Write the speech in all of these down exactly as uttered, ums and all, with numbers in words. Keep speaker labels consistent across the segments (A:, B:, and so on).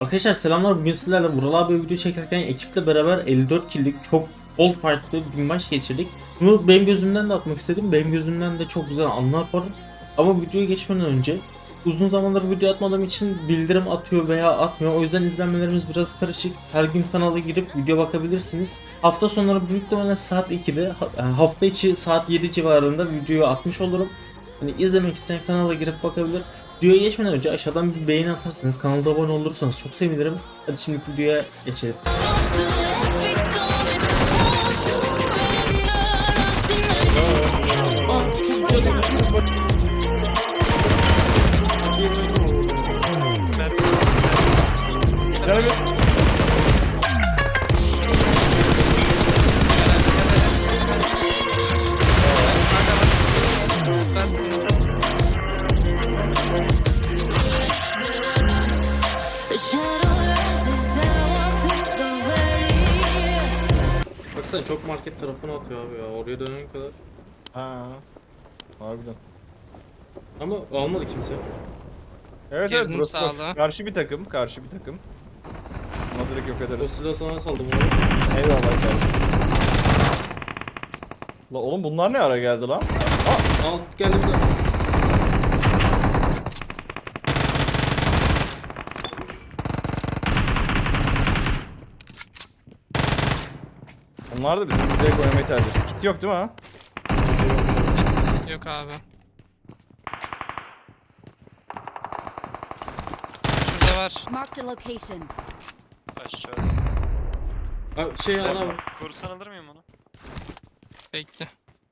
A: Arkadaşlar selamlar, bugün sizlerle Vural abi video çekerken ekiple beraber elli dört kill'lik çok bol fight'lı bir maç geçirdik. Bunu benim gözümden de atmak istedim. Benim gözümden de çok güzel anlar var. Ama videoya geçmeden önce uzun zamandır video atmadığım için bildirim atıyor veya atmıyor. O yüzden izlenmelerimiz biraz karışık. Her gün kanala girip video bakabilirsiniz. Hafta sonları büyük ihtimalle saat ikide, yani hafta içi saat yedi civarında videoyu atmış olurum. Hani izlemek isteyen kanala girip bakabilir. Videoya geçmeden önce aşağıdan bir beğeni atarsanız, kanalda abone olursanız çok sevinirim. Hadi şimdi videoya geçelim. Baksana çok market tarafına atıyor abi ya, oraya dönene kadar.
B: Ha. Harbiden.
A: Ama almadı kimse.
B: Evet
C: Girdim
B: evet burası boş.
C: sağlığa.
B: Karşı bir takım, karşı bir takım. Ona direkt yok
A: O
B: ederiz.
A: silahı sana saldım abi.
B: Eyvallah kardeşim. La oğlum bunlar ne ara geldi lan?
A: Al geldim de.
B: Onlar da bizim direkt oynamayı tercih etti. Kit yok değil mi ha?
C: Yok abi. Şurada var.
D: Marked a location.
E: Aşağıda.
A: Abi şey al abi.
E: Kursan alır mıyım onu?
C: Bekle.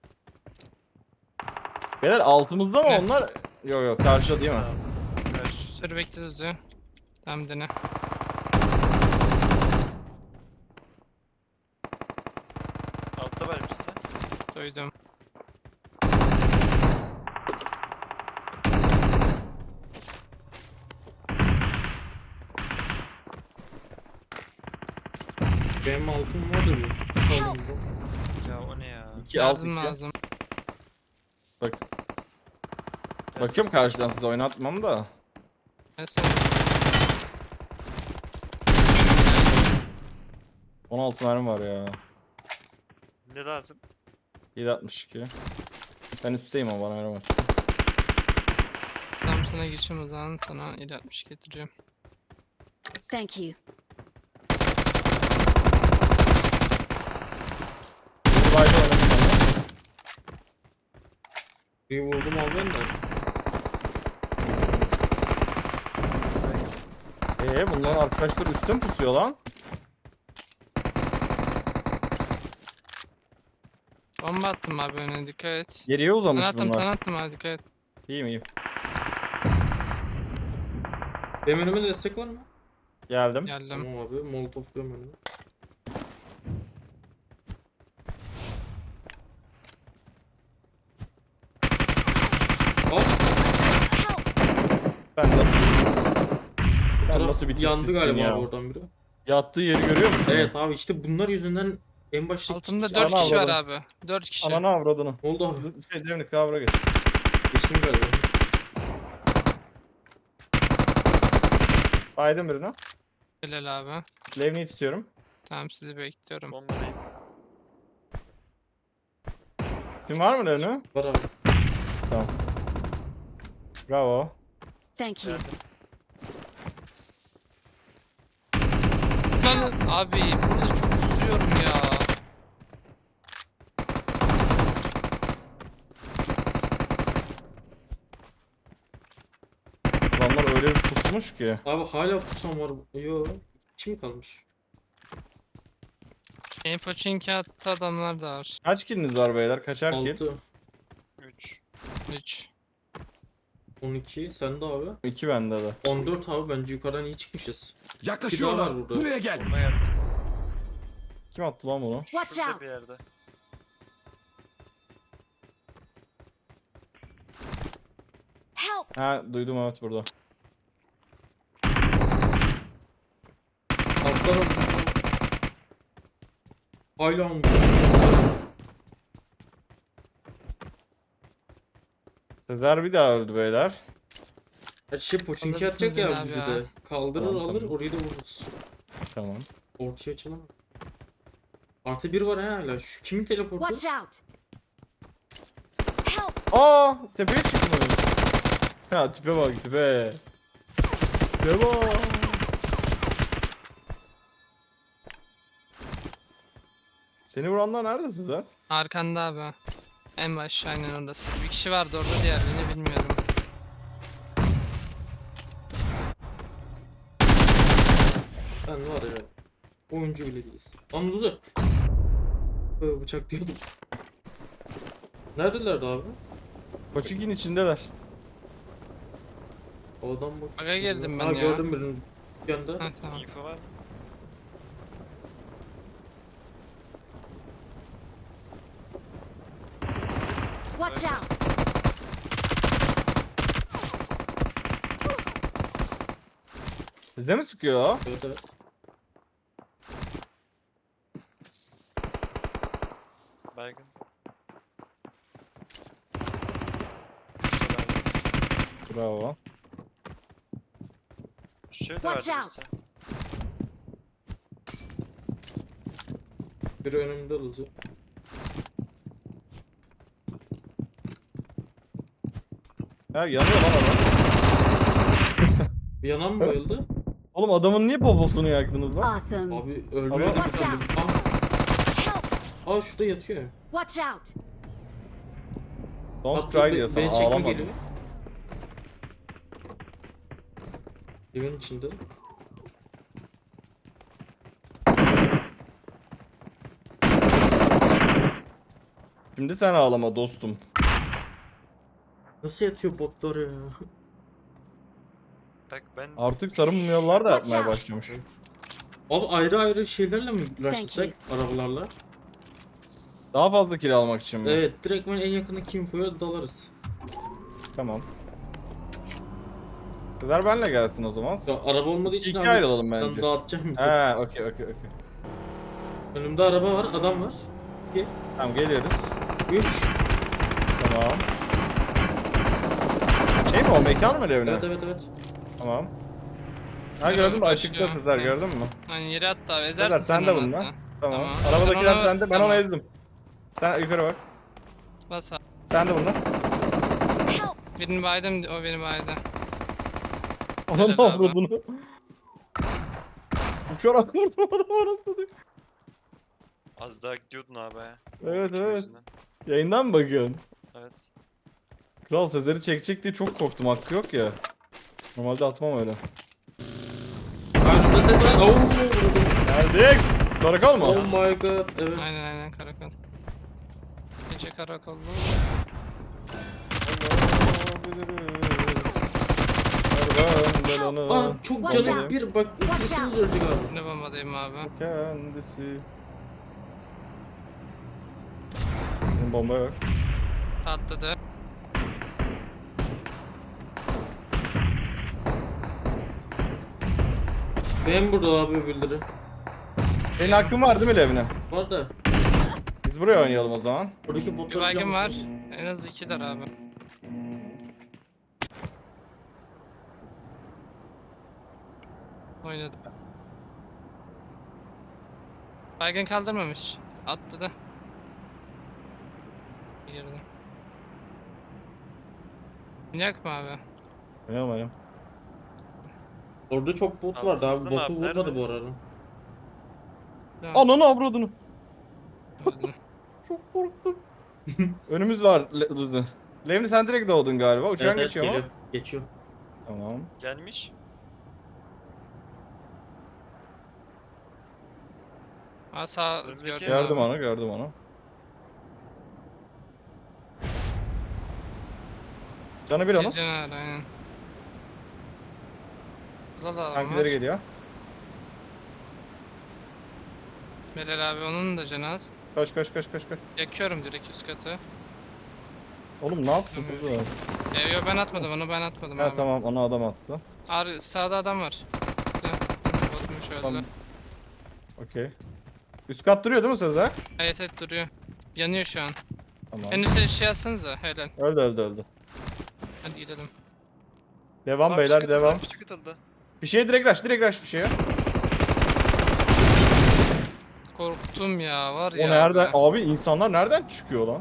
B: Beyler altımızda mı
C: Ne?
B: onlar? Yok yok karşıda değil mi?
E: Karşı.
C: Sür bekle düzü. Tam dene.
E: Altta var birisi.
C: Duydum.
A: Benim altım var da bir. Aldım bu.
E: Ya o ne ya?
B: iki alt
C: Yardım
B: iki.
C: lazım.
B: Bak. Bakıyorum karşıdan size oynatmam da.
C: Mesela
B: on altı mermi var ya.
E: Ne lazım?
B: yedi altmış iki. Ben üstteyim ama bana veremez.
C: tam sana geçeyim o zaman, sana il altmış getireceğim.
D: Thank you.
B: Duvarda oynadım ben.
A: Bir vurdum al ben de.
B: Eee bunların arkadaşları üstte mi pusuyor lan?
C: Bomba attım abi önüne, dikkat et.
B: Geriye uzamış
C: Sana attım
B: bunlar.
C: sana attım abi, dikkat et.
B: İyiyim iyiyim.
A: Benim önüme destek var mı?
B: Geldim.
C: Geldim.
A: Tamam abi, molotof diyorum önüme. Al.
B: Ben nasıl... Sen
A: Taraf
B: nasıl bir
A: yandı
B: tipsizsin
A: galiba
B: ya?
A: abi oradan biri.
B: Yattığı yeri görüyor musun?
A: Evet abi, işte bunlar yüzünden en başta
C: Altımda
A: Ana
C: dört kişi var
B: avradım.
C: abi. dört kişi.
B: Ananı avradını.
A: oldu abi.
B: Şey Devnik kavra geç.
A: Geçtim galiba.
B: Baydım birine.
C: Helal abi.
B: Levni'yi tutuyorum.
C: Tamam, sizi bekliyorum.
E: Bombadayım.
B: Kim var mı Levni?
A: Var abi.
B: Tamam. Bravo.
D: Thank you.
E: Geldim.
C: Lan abi burada çok kusuyorum ya.
B: Adamlar öyle bir pusmuş ki.
A: Abi hala pusam var. Yo. İçi mi kalmış?
C: Benim Pochinki attı adamlar da var.
B: Kaç killiniz var beyler? Kaçar kill?
A: altı.
E: üç.
C: üç.
A: on iki. Sende abi.
B: iki bende de.
A: on dört abi, bence yukarıdan iyi çıkmışız.
F: Yaklaşıyorlar.
A: Bir daha var burada.
F: Buraya gel.
E: Bomba geldi.
B: Kim attı lan bunu?
D: Watch
E: Şurada
D: out.
E: bir yerde.
D: Help!
B: Ha duydum evet burada.
A: Altlara hala mı?
B: Sezer bir daha öldü beyler.
A: Her şey poçinki
C: Alırsın
A: atacak ya
C: beni abi
A: bizi
C: ya.
A: de. Kaldırır
B: Tamam,
A: alır
B: tamam.
A: orayı da vururuz.
B: Tamam.
A: Ortaya açılamam. Artı bir var ha hala. Şu kimin teleportu?
D: Watch out! Help!
B: Aa, tepeye çıktım. Ya tipe bak tipe. Tipe bak. Seni vuranlar nerede sizler?
C: Arkanda abi. En baş aynen orası. Bir kişi vardı orada, diğerlerini bilmiyorum.
A: Ben var evet. Oyuncu bile değiliz. Anladı. Böyle bıçak diyordum. Neredelerdi abi?
B: Koçikin içindeler.
A: O adam bak.
C: Aga girdim ben
A: ha,
C: ya.
A: gördüm birini dükkanda.
C: Ha, tamam.
E: Info var mı?
D: Watch out!
B: Size mi sıkıyor o?
A: Evet evet.
E: Baygın.
B: Bravo.
E: Şöyle de
D: Watch
E: verdi
D: out.
E: birisi.
A: Biri önümde olacak.
B: Ha yanıyor lan adam.
A: Bir yanan mı bayıldı?
B: Oğlum adamın niye poposunu yaktınız lan?
D: Awesome!
A: Abi öldü.
B: Ama-
D: Watch out!
A: Aa, aa şurada yatıyor.
D: Watch out!
B: Don't
A: Hatta
B: cry
A: be-
B: diyor sana
A: beni çekme
B: ağlama.
A: geliyor. Evin içinde.
B: Şimdi sen ağlama dostum.
A: Nasıl yatıyor botlar ya?
E: Bak ben
B: Artık sarı mumyalar da
D: Watch
B: yapmaya
D: out.
B: başlamış.
A: Abi ayrı ayrı şeylerle mi uğraştırsak arabalarla?
B: Daha fazla kill almak için mi?
A: Evet direkt ben en yakındaki infoya dalarız.
B: Tamam. Kızlar benle gelsin o zaman.
A: Ya, araba olmadığı için
B: İki
A: abi
B: ayrılalım
A: ben
B: bence.
A: dağıtacağım bizi.
B: He, okey okey okey.
A: Önümde araba var, adam var.
B: Tamam geliyoruz.
A: üç.
B: Tamam. Şey mi o mekan mı evine?
A: Evet evet evet.
B: Tamam. Ha
C: Yürü
B: gördün mü
C: abi,
B: açıkta
C: başlıyor.
B: Sezer
C: Hı.
B: gördün mü?
C: Hani yere attı abi,
B: Sezer
C: ezersin
B: sen de
C: onu
B: bundan.
C: hatta.
B: Tamam.
C: Tamam.
B: Arabadakiler
C: Sen ona-
B: sende ben onu
C: tamam.
B: ezdim. Sen yukarı bak.
C: Bas abi.
B: Sen de bundan.
D: Help!
C: Birini baydım, o beni baydı.
B: Ananı
C: Helal abi.
B: avradını. Uçarak vurdum adamı arasını.
E: az daha gidiyordun abi. ha.
B: Evet,
E: Uçma
B: evet.
E: yüzünden.
B: Yayından mı bakıyorsun?
E: Evet.
B: Kral Sezer'i çekecek diye çok korktum, hakkı yok ya. Normalde atmam öyle.
A: Önümde ses var. Oh, vurdum.
B: Geldik. Karakol mu?
A: Oh my god. Evet.
C: Aynen aynen, karakol. Gece karakollu.
A: Aa çok
D: Watch
A: canım
D: out.
A: bir bak
D: Watch
A: üflesiniz
D: out.
A: ölecek abi.
C: Ne bombadayım abi.
B: Kendisi. Benim bomba yok.
C: Patladı.
A: Benim burada abi bildiri.
B: Senin hakkın var değil mi Levne?
A: Var da
B: Biz buraya oynayalım o zaman.
A: buradaki
C: Bir
A: botları
C: baygın
A: can-
C: var. En az ikiler abi. Oynadı. Baygın kaldırmamış. Attı da. Girdi. Yak mı abi?
B: Oynayalım oynayalım.
A: Orada çok bot
E: Abi,
A: vardı abi.
E: hızlı mı
A: Botu
E: abi?
A: vurmadı
E: Nerede?
A: bu arada.
C: Tamam,
B: Ananı avradını.
C: öldü.
B: Çok korktum. Önümüz var Le Luzi. Levni sen direkt doğdun galiba. Uçağın
A: Evet, evet,
B: geçiyor
A: geliyor.
B: mu?
A: Geçiyor.
B: Tamam.
E: Gelmiş.
C: Aa, sağ
E: Önümdeki-
C: gördüm
B: Gördüm
C: abi.
B: onu, gördüm onu. Canı bir onun.
C: Bir canavar aynen. Burada da adam var.
B: Tankileri geliyor.
C: Belal abi onun da cenaz.
B: Kaç kaç kaç kaç kaç.
C: Yakıyorum direkt üst katı.
B: Oğlum ne yaptın siz o?
C: Ee, yo ben atmadım onu, ben atmadım
B: Ha
C: abi.
B: tamam, ona adam attı.
C: Ar sağda adam var. Botmuş öldü.
B: Tamam. Okey. Üst kat duruyor değil mi Sezer?
C: Evet evet duruyor. Yanıyor şu an.
B: Tamam.
C: En üstte şey yazsanıza helal.
B: Öldü öldü öldü.
C: Hadi gidelim.
B: Devam
E: Abi
B: beyler
E: fişek atıldı,
B: devam.
E: fişek atıldı.
B: Bir şeye direkt rush direkt rush bir şeye.
C: Korktum ya var
B: O
C: ya.
B: nereden?
C: be.
B: Abi insanlar nereden çıkıyor lan?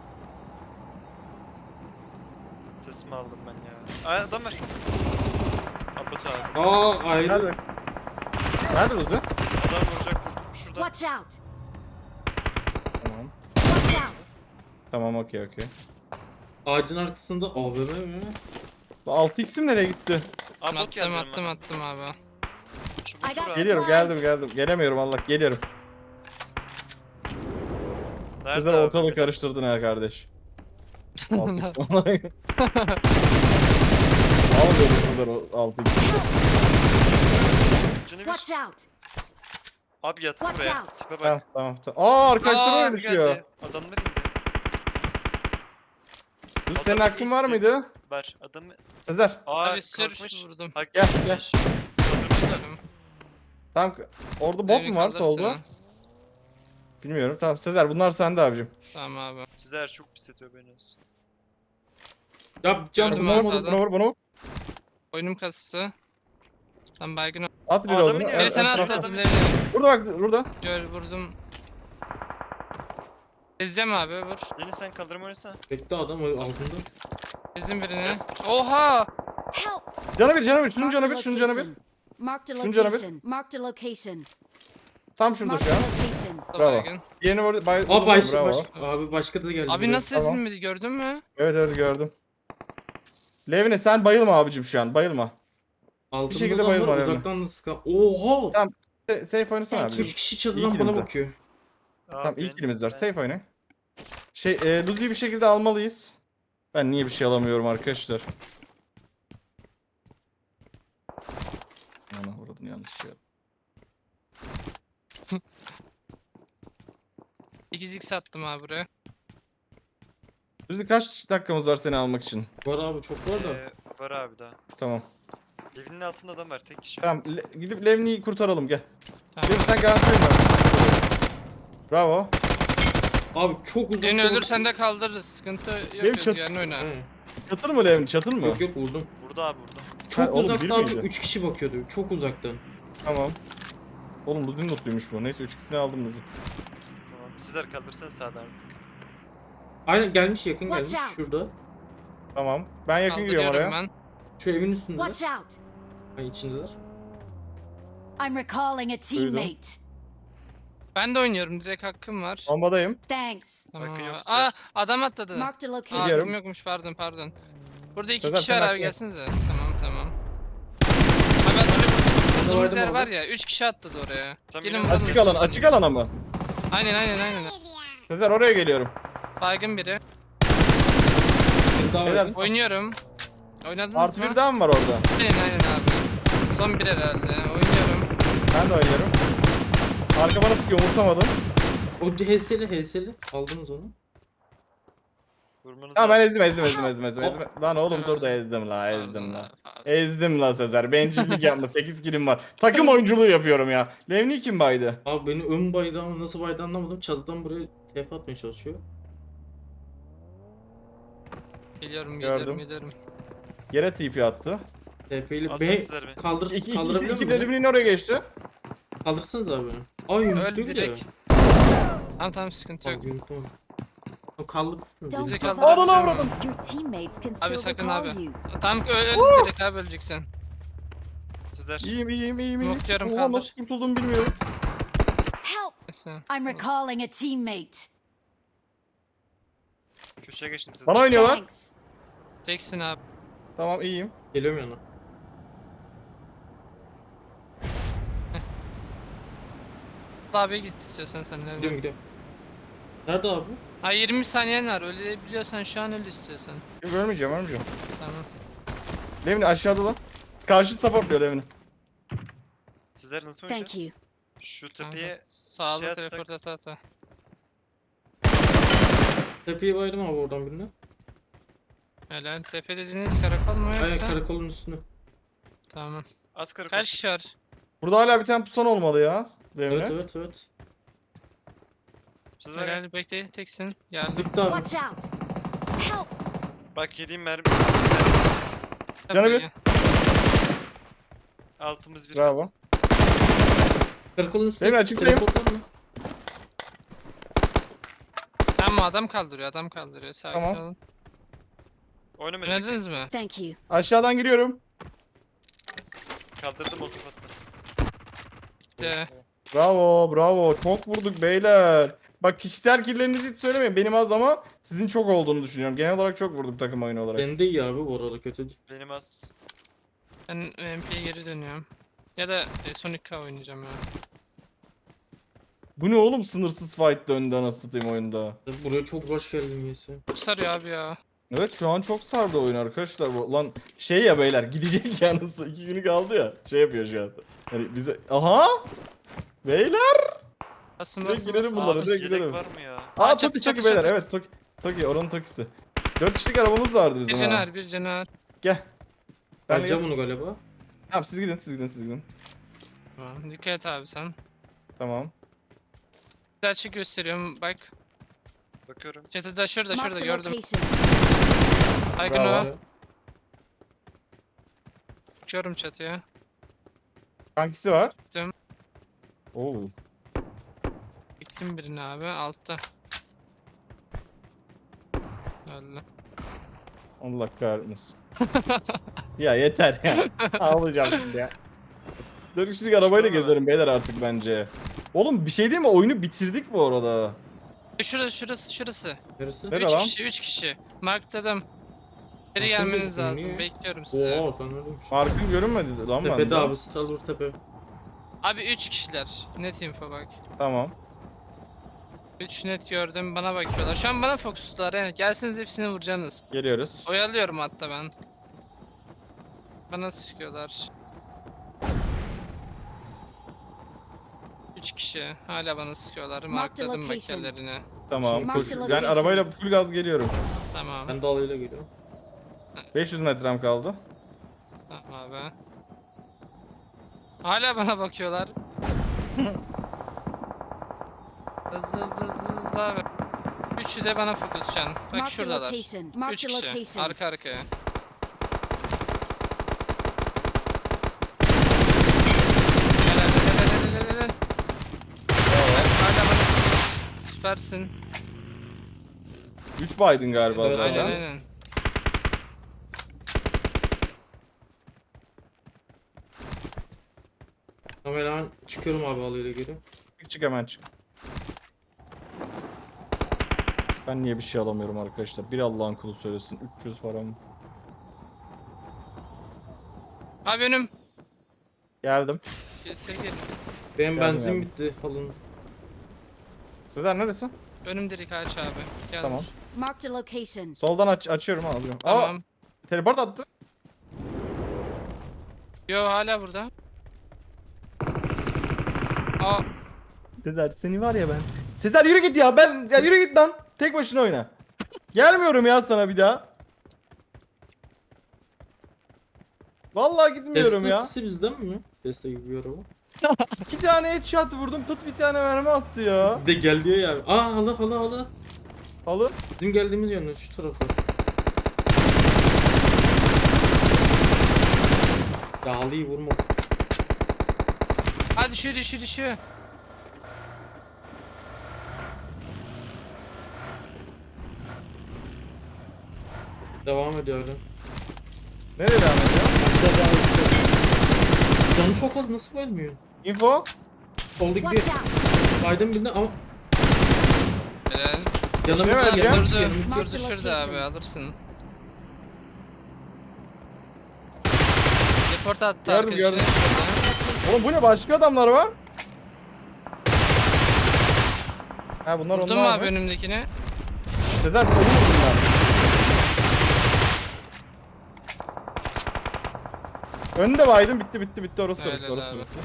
E: Sesimi aldım ben ya. Ay adam var. Abbot abi.
A: Aa ayrı.
B: Nerede? Nerede durdu?
E: Adam vuracak. Şurada.
D: Watch out!
B: Tamam.
D: Watch out!
B: Tamam okey okey.
A: Ağacın arkasında A V M mi?
B: Bu altı x'im nereye gitti?
E: Abbot geldi
C: Attım attım
E: yanıma.
C: attım abi.
E: Çubuk
D: I got
E: vur abi.
B: Geliyorum geldim geldim. Gelemiyorum Allah geliyorum.
E: Nerede
B: Sizler
E: abi?
B: ortalığı karıştırdın ha kardeş. Al dedim sizler o altı x.
E: Canı
D: Watch
E: bir.
D: out!
E: Abi yattı
D: Watch
E: buraya.
D: out.
E: Tipe
B: Tamam
E: bak.
B: tamam tamam. Aa arkadaşlar
C: Aa,
B: öyle
E: Abi
B: düşüyor.
E: geldi. Adamlar indi.
B: Dur senin
E: Adamın
B: aklın var
E: izi
B: mıydı?
E: Var. Adamı.
B: Sezer
E: Aa
C: Abi sür
E: kalkmış.
C: vurdum.
E: Bak,
B: Gel, gel.
E: kalkmış. Kaldırması lazım.
B: Tamam orada bot
C: Devri
B: mu var
C: kaldırsana.
B: solda? Bilmiyorum tamam Sezer bunlar sende abicim.
C: Tamam abi.
E: Sizler çok pis ediyor beni. olsun.
A: Ya can
C: Gördüm
B: Buna
C: ben
B: vur
C: sağdan.
B: buna vur buna vur.
C: Oyunum kasısı. Tam baygın ol.
B: At bir
E: Aa, adamın
B: olduğunu.
E: yanında.
C: Biri sana
E: evet,
C: attı.
E: evet.
C: Lev, lev.
B: Burada bak burada.
C: Gör vurdum. Ezeceğim abi vur.
E: Deniz sen kaldırma oynasana.
A: bekle adam altında.
C: Ezdim birini. Oha!
D: Help!
B: Canı bir canı bir şunun
D: Marked
B: canı
D: a
B: bir şunun canı bir.
D: location. Marked a
B: Şunun canı bir.
D: location. Marked a location.
B: Tam şurada
D: Marked
B: şu
D: a
B: an.
D: location.
B: Bravo.
C: Baygın.
B: Diğerini vurdu. Bay,
A: Aa baş,
B: bravo.
A: baş, abi başka da geldi.
C: Abi
A: buraya.
C: nasıl
B: Tamam.
C: ezilmedi gördün mü?
B: Evet evet gördüm. Levine sen bayılma abicim şu an bayılma.
A: Altımızda
B: şekilde
A: var,
B: bayılma yani.
A: uzaktan da sıkan. Oha!
B: Tamam. Se- Safe oynasana
D: Thank
B: abicim.
A: Üç kişi
B: İyi
A: çatıdan
B: ki
A: bana
B: bize.
A: bakıyor.
B: Tamam ilk
E: benim-
B: kilimiz var.
E: ben-
B: Safe oyna. Şey e, Luzi'yi bir şekilde almalıyız. Ben niye bir şey alamıyorum arkadaşlar? Ana vurdun yanlış şey.
C: ikiz x attım abi buraya.
B: Luzi kaç dakikamız var seni almak için?
A: Var abi çok var da.
E: Ee, var abi daha.
B: Tamam.
E: Evinin altında adam var tek kişi.
B: Tamam Le- gidip Levni'yi kurtaralım gel.
C: Tamam.
B: Levi sen garanti oyna. Bravo.
A: Abi çok uzak.
C: Birini
A: yok.
C: ölürsen de kaldırırız. Sıkıntı yok.
B: Benim çat-
C: Özgürlüğünü oyna.
A: He.
B: Çatır mı Levni çatır mı?
A: Yok yok vurdum.
E: Vurdu abi vurdu.
A: Çok
B: oğlum,
A: uzakta
B: bir
A: abi
B: miydi?
A: üç kişi bakıyordu. Çok uzaktan.
B: Tamam. Oğlum Luzi'nin notluymuş bu. Neyse üç ikisini aldım Luzi.
E: Tamam. Sizler kaldırsanız sağda artık.
A: Aynen gelmiş yakın
D: Watch
A: gelmiş
D: out.
A: şurada.
B: Tamam. Ben yakın giriyorum oraya.
C: Kaldırıyorum ben.
A: Şu evin üstünde.
D: Watch out!
A: Ay içindeler.
D: I'm recalling a teammate.
C: Ben de oynuyorum. Direkt hakkım var.
B: Bombadayım.
D: Thanks.
C: Tamam
E: Bakın
C: abi.
E: yok
C: Aa
E: sizler.
C: adam atladı.
D: Marked a
C: Aa
D: location.
B: Biliyorum.
C: hakkım yokmuş pardon pardon. Burada iki
B: Sezer,
C: kişi
B: sen
C: var abi
B: hakkın.
C: gelsinize. Tamam tamam. Abi ben şöyle bulduğumuz
A: Vardım
C: yer
A: abi.
C: var ya. Üç kişi atladı oraya.
E: Sen
C: Gelin
E: biliyor
C: vuralım.
B: Açık alan,
C: istiyorsan.
B: açık alana mı?
C: Aynen aynen aynen.
B: Sezer oraya geliyorum.
C: Baygın biri.
A: Bir daha
B: Beyler,
A: var.
C: Oynuyorum. Oynadınız
B: Artı
C: mı?
B: bir daha mı var orada?
C: Aynen aynen abi. Son bir herhalde. Oynuyorum.
B: Ben de oynuyorum. Arka bana sıkıyor umursamadım.
A: O H S'li H S'li. Aldınız onu.
E: Vurmanız
B: Tamam ben
E: lazım.
B: ezdim ezdim ezdim ezdim ezdim. ezdim. Lan oğlum dur da ezdim la ezdim
C: Pardon
B: la.
C: abi, pardon.
B: Ezdim la Sezer. Bencillik yapma. sekiz kilim var. Takım oyunculuğu yapıyorum ya. Levni kim baydı?
A: Abi beni ön baydı ama nasıl baydı anlamadım. Çatıdan buraya tep atmaya çalışıyor.
C: Geliyorum
B: Gördüm.
C: geliyorum geliyorum.
B: Yere T P attı.
A: T P ile
E: Aslında
A: B
E: sizler be.
A: kaldır
B: İki, iki, iki,
A: kaldırabilir
B: iki
A: miyim?
B: Levni'nin oraya geçti.
A: Kaldırsanız abi beni. Ay
C: Öl
A: yumrukluyor bir de.
C: direkt. Tamam tamam sıkıntı yok.
A: Abi yumrukluyor. O kaldı.
D: Don't
C: Bize
D: give up.
C: kaldırabilir
B: Ananı
C: miyim?
B: avradım.
D: Your teammates can
C: Abi
D: still
C: sakın
D: recall
C: abi.
D: you.
C: Tamam öl, öl direkt abi öleceksin.
E: Sizler.
B: İyiyim iyiyim iyiyim iyiyim.
C: Nokluyorum,
B: Oha
C: kaldır.
B: nasıl kurtulduğumu bilmiyorum.
D: Help!
C: Neyse.
D: I'm recalling a teammate.
E: Köşeye geçtim sizler.
B: Bana oynuyorlar.
D: Thanks.
C: Teksin abi.
B: Tamam iyiyim.
A: Geliyorum yana.
C: Abi git istiyorsan sen de.
A: Gidiyorum gidiyorum. Nerede abi?
C: Ha yirmi saniyen var. Ölebiliyorsan şu an öl istiyorsan.
B: Yok ölmeyeceğim ölmeyeceğim.
C: Tamam.
B: Levni aşağıda lan. Karşı supportluyor Levni.
E: Sizler nasıl
D: Thank
E: oynayacağız?
D: you.
E: Şu
C: Kanka,
E: tepeye
C: Sağlı
E: şey atsak-
C: teleport ata ata.
A: Tepeyi baydım abi oradan birine.
C: Helal. Tepe dediğiniz karakol mu
A: Aynen
C: yoksa?
A: karakolun üstüne.
C: Tamam.
E: at karakol.
C: Kaç kişi var?
B: Burada hala bir tane pusan olmalı ya. Levni.
A: Evet evet evet.
E: Sizler
C: Helal bekle teksin. Geldim.
A: Bitti abi.
D: Watch out! Help!
E: bak yediğim mermi.
B: Canı bir.
C: Tabii.
E: Altımız bir.
B: Bravo.
A: Karakolun üstüne.
B: Benim açıktayım.
A: teleportlar mı?
C: Tamam adam kaldırıyor adam kaldırıyor. Sakin
B: Tamam.
C: olun.
E: Oynamayacak.
C: Oynadınız mı?
D: Thank you.
B: Aşağıdan giriyorum.
E: Kaldırdım o kapatma.
C: İşte.
B: Bravo bravo. Çok vurduk beyler. Bak kişisel kirlerinizi hiç söylemeyin. Benim az ama sizin çok olduğunu düşünüyorum. Genel olarak çok vurduk takım oyunu olarak.
A: Benim de iyi abi bu arada, kötü değil.
E: Benim az.
C: Ben M P'ye geri dönüyorum. Ya da e, Sonic K oynayacağım ya.
B: Bu ne oğlum, sınırsız fight döndü anasını satayım oyunda.
A: Buraya çok hoş geldin Yesi.
C: Çok sarıyor abi ya.
B: Evet şu an çok sardı oyun arkadaşlar. Bu- Lan şey ya beyler, gidecek yalnız iki günü kaldı ya. Şey yapıyor şu an. Hani bize aha beyler.
C: Basın
B: Direkt
C: basın
B: gidelim
C: basın.
B: bunlara,
C: basın.
B: direkt
E: Yelek
B: gidelim.
E: var mı ya?
B: Aa
C: Aa, çatı,
B: Toki
C: çatı,
B: Toki beyler,
C: çatı.
B: evet Toki. Toki oranın Toki'si. Dört kişilik arabamız vardı
C: Bir
B: bizim ha.
C: canavar bir canavar.
B: Gel. Ben
A: Alacağım
B: gel.
A: onu galiba.
B: Tamam siz gidin siz gidin siz gidin.
C: Tamam, dikkat et abi sen.
B: Tamam.
C: Bir açık gösteriyorum bak.
E: Bakıyorum.
C: Çatıda şurada şurada
D: Marked a
C: gördüm.
D: location.
C: Baygın
B: Bravo.
C: o. Çıkıyorum çatıya.
B: Kankisi var.
C: Gittim.
B: Oo.
C: Gittim birini abi altta. Öyle.
B: Allah kahretmesin. Ya yeter ya. Ağlayacağım şimdi ya. Dört kişilik arabayla
E: Şurada
B: gezerim beyler artık bence. Oğlum bir şey değil mi? Oyunu bitirdik bu arada.
C: E, Şurası şurası şurası.
A: Neresi?
B: Nerede
C: üç
B: lan?
C: kişi üç kişi. Markladım. Geri
A: Markın
C: gelmeniz
A: gözükmüyor,
C: lazım.
A: niye?
C: Bekliyorum sizi.
A: Oo sen öyleymiş.
B: Markın görünmedi lan bende.
A: Tepede abi, Stalwar tepe.
C: Abi üç kişiler. Net info bak.
B: Tamam.
C: üç net gördüm bana bakıyorlar. Şu an bana fokuslular yani. Gelsiniz hepsini vuracaksınız.
B: Geliyoruz.
C: Oyalıyorum hatta ben. Bana sıkıyorlar. üç kişi hala bana sıkıyorlar.
D: Marked
C: Markladım
D: location.
C: makyelerini.
B: Tamam.
D: Mark
B: Koş.
D: the
B: Ben
D: location.
B: arabayla full gaz geliyorum.
C: Tamam.
A: Ben de alayla geliyorum.
B: beş yüz metrem kaldı.
C: Tamam abi. Hala bana bakıyorlar. Hızlı hızlı hızlı hızlı abi. Üçü de bana fokus şu an. Bak
D: Marked a
C: şuradalar.
D: location.
C: Üç
D: Marked a
C: kişi.
D: location.
C: Arka arkaya. Helal helal helal helal helal. Helal, hala bana fokus. Süpersin.
B: üç Biden galiba
A: Evet,
B: zaten.
C: Aynen aynen.
A: Tamam hemen çıkıyorum abi alayla geri.
B: Çık çık hemen çık. Ben niye bir şey alamıyorum arkadaşlar? Bir Allah'ın kulu söylesin. üç yüz param.
C: Abi önüm.
B: Geldim.
C: Gelsene gelin.
A: Benim
B: Geldim,
A: benzin
B: geldim.
A: bitti, alın.
B: Sezer neredesin?
C: Önüm direkt aç abi. Gel.
B: Tamam.
C: vur.
D: Marked a location.
B: Soldan aç açıyorum alıyorum.
C: Tamam.
B: Aa, teleport attı.
C: Yo hala burada. Aa
B: Sezer seni var ya ben. Sezer yürü git ya, ben ya yürü git lan. Tek başına oyna. Gelmiyorum ya sana bir daha. Vallahi gitmiyorum
A: Tesla
B: ya.
A: sisi bizden mi? Tesla gibi bir araba.
B: İki tane headshot vurdum, tut bir tane mermi attı ya.
A: Bir de gel diyor ya abi. Aa hala hala hala.
B: Alın.
A: Bizim geldiğimiz yönde şu tarafa. Ya halıyı vurma.
C: hadi düşüyor düşüyor düşüyor.
A: Devam ediyor öyle.
B: Nereye devam ediyor?
A: Canı çok az, nasıl ölmüyor?
B: Info.
A: Solda
D: Watch
A: gidiyor.
D: out.
A: Biden birine ama
C: Helal.
A: yanımda
B: Şey vereceğim.
A: yanımda-
C: Durdu.
A: yanımda-
C: Durdu şurada abi alırsın. Report attı
B: Gördüm,
C: arkadaşına
B: gördüm.
C: şurada.
B: Oğlum bu ne, başka adamlar var? Ha bunlar
C: Vurdun mu
B: onlar
C: abi
B: mı?
C: önümdekini?
B: Sezer seni vurdum ben. Önde baydım, bitti bitti bitti, orası da bitti,
C: Helal
B: orası da
C: abi.
B: bitti.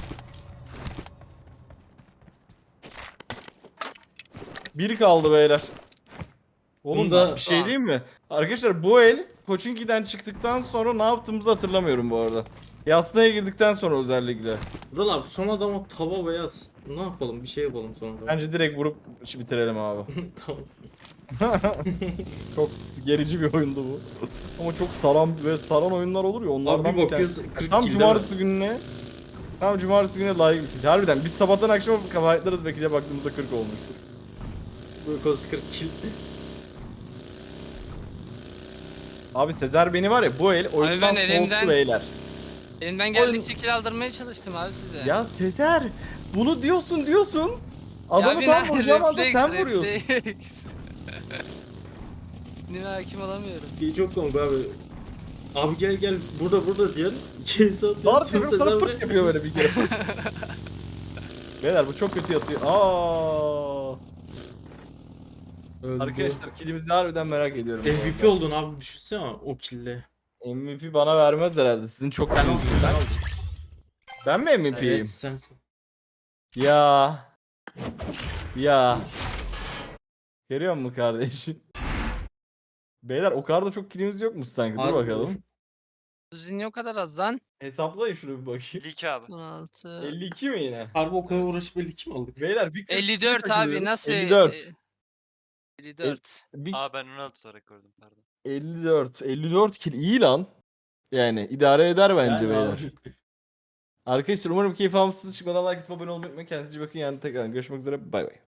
B: Bir kaldı beyler. Oğlum
A: Bunda-
B: da bir şey diyeyim mi? Arkadaşlar bu el Pochinki'den çıktıktan sonra ne yaptığımızı hatırlamıyorum bu arada. Yasnaya girdikten sonra özellikle.
A: Zal abi son adama tava veya s- ne yapalım, bir şey yapalım sonra.
B: Bence direkt vurup işi bitirelim abi.
A: Tamam.
B: Çok gerici bir oyundu bu. Ama çok saran ve saran oyunlar olur ya, onlardan
A: Abi bir
B: bir tane.
A: bakıyoruz kırk
B: Tam
A: kilde
B: cumartesi gününe Tam cumartesi günü layık bir kill. Harbiden biz sabahtan akşama kafayetlarız belki de baktığımızda kırk olmuştur.
A: Bu koz kırk kill.
B: Abi Sezer beni var ya bu el oyundan
C: ben
B: soğuttu
C: elimden-
B: beyler.
C: Elimden geldikçe kill aldırmaya çalıştım abi size.
B: Ya Sezer bunu diyorsun diyorsun.
C: Ya
B: Adamı
C: bir
B: tam
C: ne-
B: vuracağım anda
C: refleks,
B: sen vuruyorsun.
C: refleks. Nime hakim olamıyorum.
A: İyi çok komik abi. Abi gel gel burada burada diyen iki el atıyor.
B: Var
A: sonra
B: yapıyor sana
A: Sezer
B: pırt yapıyor böyle bir kere. Beyler bu çok kötü yatıyor. Aa.
A: Öldü.
B: Arkadaşlar killimizi harbiden merak ediyorum. bu
A: M V P
B: arada.
A: oldun abi düşünsene o kille.
B: M V P bana vermez herhalde. Sizin çok
A: Sen
B: killiniz
A: oldun, sen
B: var.
A: oldun.
B: Ben mi M V P'yim?
A: Evet sensin.
B: Ya. Ya. Görüyor musun kardeşim? Beyler o kadar da çok killimiz yokmuş sanki. Dur
A: Harbi
B: bakalım.
C: Düzin o kadar az lan.
B: Hesaplayın şunu bir bakayım.
E: elli iki abi.
C: on altı.
B: elli iki mi yine?
A: Harbi o kadar uğraşıp belli kim aldık?
B: Beyler bir kırk
C: elli dört abi
B: takılıyorum.
C: nasıl?
B: elli dört.
C: e, elli dört.
B: Bir
E: Aa ben on altı olarak gördüm pardon.
B: elli dört. elli dört kill iyi lan. Yani idare eder bence
A: Yani
B: beyler.
A: abi.
B: Arkadaşlar umarım keyif almışsınız. Çıkmadan like atıp abone olmayı unutmayın. Kendinize iyi bakın. Yani tekrar görüşmek üzere. Bay bay.